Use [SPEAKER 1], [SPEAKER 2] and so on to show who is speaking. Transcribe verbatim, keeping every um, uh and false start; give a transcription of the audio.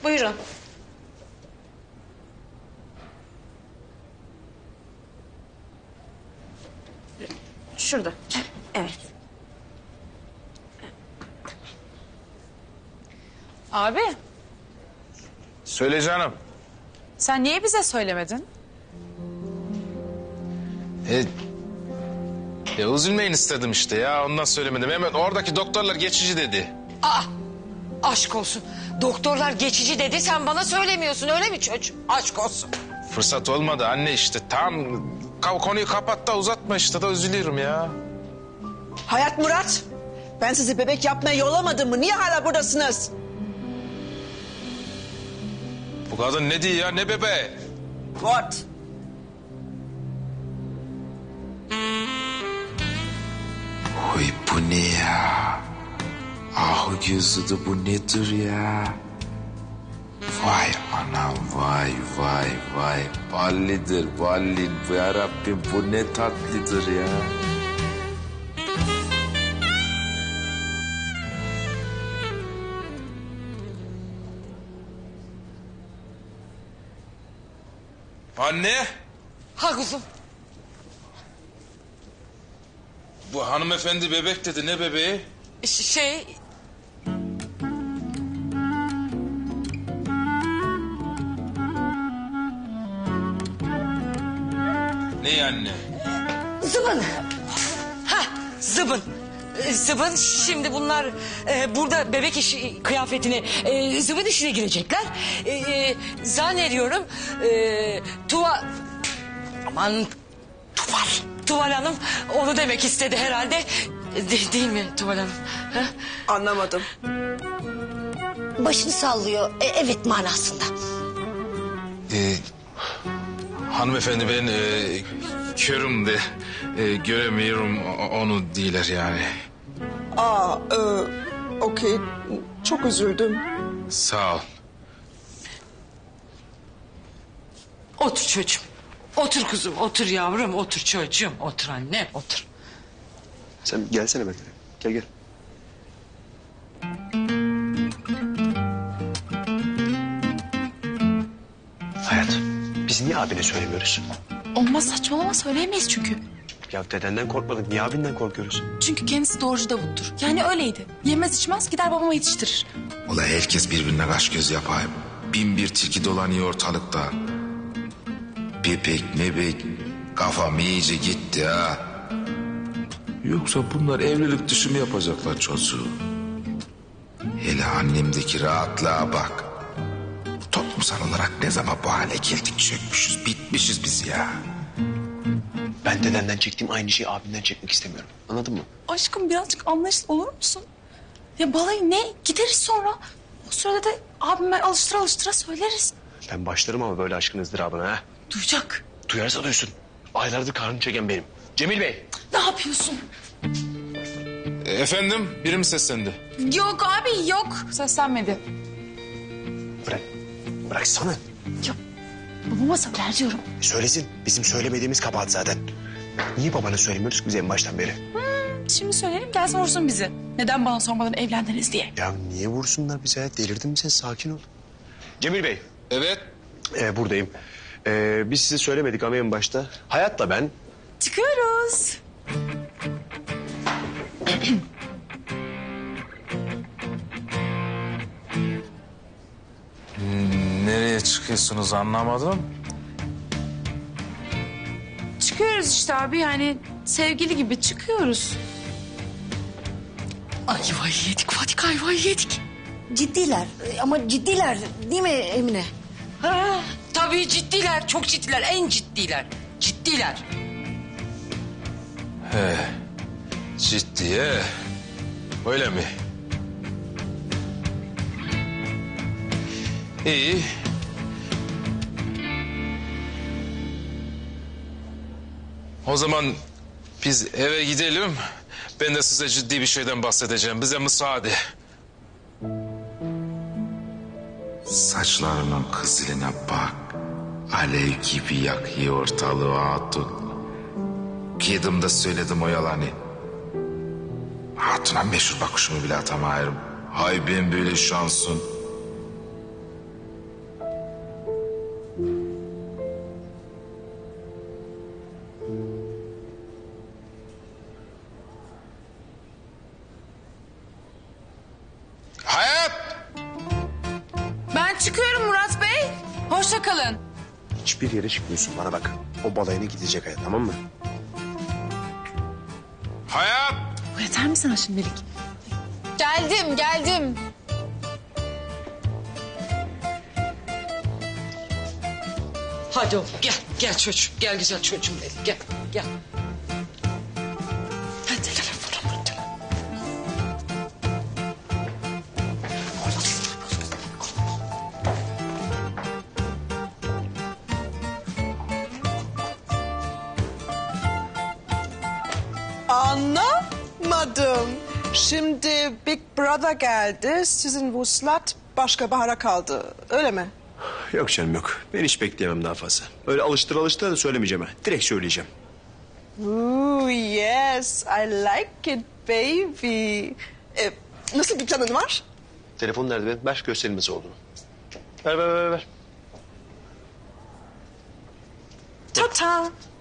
[SPEAKER 1] Buyurun. Şurada. Evet.
[SPEAKER 2] Abi,
[SPEAKER 3] Söyle canım.
[SPEAKER 2] sen niye bize söylemedin?
[SPEAKER 3] E, e, üzülmeyin istedim işte ya, ondan söylemedim. Hemen oradaki doktorlar geçici dedi.
[SPEAKER 1] Aa, aşk olsun. Doktorlar geçici dedi, sen bana söylemiyorsun öyle mi çocuğum? Aşk olsun.
[SPEAKER 3] Fırsat olmadı anne işte. Tam ka- konuyu kapat da uzatma işte, da üzülüyorum ya.
[SPEAKER 4] Hayat Murat, ben sizi bebek yapmaya yollamadım mı? Niye hala buradasınız?
[SPEAKER 3] Bu kadın ne diyor ya, ne bebeği?
[SPEAKER 4] What?
[SPEAKER 5] Oy bu ne ya? Ahu gözüdü, bu nedir ya? Vay anam, vay vay vay. Ballidir balli. Ya Rabbim, bu ne tatlıdır ya.
[SPEAKER 3] Anne,
[SPEAKER 1] Ha kuzum.
[SPEAKER 3] bu hanımefendi bebek dedi, ne bebeği?
[SPEAKER 1] Ş- Şey...
[SPEAKER 3] Ne anne?
[SPEAKER 1] Zıbın. Ha, zıbın. Ee, Zıbın, şimdi bunlar e, burada bebek işi kıyafetini e, zıbın işine girecekler. E, e, zannediyorum e, Tuva... Aman Tuval. Tuval Hanım onu demek istedi herhalde. De- değil mi Tuval Hanım? Ha?
[SPEAKER 4] Anlamadım.
[SPEAKER 1] Başını sallıyor. E, evet manasında.
[SPEAKER 3] Ee, hanımefendi ben e, körüm de e, göremiyorum o- onu diyorlar yani.
[SPEAKER 4] Aa, e, okey. Çok üzüldüm.
[SPEAKER 3] Sağ ol.
[SPEAKER 1] Otur çocuğum. Otur kuzum, otur yavrum, otur çocuğum. Otur anne, otur.
[SPEAKER 6] Sen gelsene benimle. Gel gel. Hayat, biz niye abine söylemiyoruz?
[SPEAKER 7] Olmaz, saçmalama, söyleyemeyiz çünkü.
[SPEAKER 6] Ya dedenden korkmadık, niye abinden korkuyoruz?
[SPEAKER 7] Çünkü kendisi doğrucu Davut'tur. Yani öyleydi. Yemez içmez gider babama yetiştirir.
[SPEAKER 5] Ula herkes birbirine kaş göz yapayım. Bin bir tilki dolanıyor ortalıkta. Bebek mebek kafam iyice gitti ha. Yoksa bunlar evlilik dışı mı yapacaklar çocuğu? Hele annemdeki rahatlığa bak. Toplumsal olarak ne zaman bu hale geldik, çökmüşüz, bitmişiz biz ya.
[SPEAKER 6] Ben dedenden çektiğim aynı şeyi abinden çekmek istemiyorum. Anladın mı?
[SPEAKER 7] Aşkım birazcık anlayışlı olur musun? Ya balayı ne? Gideriz sonra. O sırada da abime alıştıra alıştıra söyleriz.
[SPEAKER 6] Ben başlarım ama böyle aşkın ızdırabına ha.
[SPEAKER 7] Duyacak.
[SPEAKER 6] Duyarsa duysun. Aylardır karnını çeken benim. Cemil Bey.
[SPEAKER 7] Ne yapıyorsun?
[SPEAKER 3] E, efendim, biri mi seslendi?
[SPEAKER 7] Yok abi yok. Seslenmedi.
[SPEAKER 6] Bırak. Bıraksana.
[SPEAKER 7] Ya babama söyler diyorum.
[SPEAKER 6] Söylesin. Bizim söylemediğimiz kabahat zaten. Niye babana söylemiyoruz ki biz en baştan beri?
[SPEAKER 7] Şimdi söyleyelim gelsin vursun bizi. Neden bana sormadan evlendiniz diye.
[SPEAKER 6] Ya niye vursunlar bize? Delirdin mi sen? Sakin ol. Cemil Bey.
[SPEAKER 3] Evet.
[SPEAKER 6] Ee, buradayım. Ee, biz size söylemedik ama en başta. Hayat'la ben...
[SPEAKER 7] Çıkıyoruz.
[SPEAKER 3] Nereye çıkıyorsunuz anlamadım.
[SPEAKER 7] Çıkıyoruz işte abi yani sevgili gibi çıkıyoruz.
[SPEAKER 1] Ayvayı yedik Fadik, ayvayı yedik.
[SPEAKER 8] Ciddiler ama ciddiler değil mi Emine?
[SPEAKER 1] Ha, tabii ciddiler, çok ciddiler, en ciddiler. Ciddiler.
[SPEAKER 3] He, ciddiye. Öyle mi? İyi. O zaman biz eve gidelim. Ben de size ciddi bir şeyden bahsedeceğim. Bize müsaade.
[SPEAKER 5] Saçlarının kızıline bak. Alev gibi yakıyor ortalığı hatun. Kıydım da söyledim o yalanı. Hatuna meşhur bakışımı bile atamayırım. Hay ben böyle şansın.
[SPEAKER 2] çıkıyorum Murat Bey. Hoşça kalın.
[SPEAKER 6] Hiçbir yere çıkmıyorsun bana bak. O balayına gidecek hayat, tamam mı?
[SPEAKER 3] Hayat!
[SPEAKER 2] Yeter mi sana şimdilik? Geldim, geldim.
[SPEAKER 1] Hadi oğlum gel gel çocuğum gel güzel çocuğum benim gel gel. Hadi telefonu bul, telefonu.
[SPEAKER 4] Anlamadım. Şimdi Big Brother geldi. Sizin vuslat başka bahara kaldı. Öyle mi?
[SPEAKER 6] Yok canım yok. Ben hiç bekleyemem daha fazla. Öyle alıştır alıştır da söylemeyeceğim ha. Direkt söyleyeceğim.
[SPEAKER 4] Ooh, yes. I like it baby. Ee, nasıl bir planın var?
[SPEAKER 6] Telefon nerede benim? Ver göstereyim nasıl olduğunu. Ver ver ver ver.
[SPEAKER 4] Ta ta.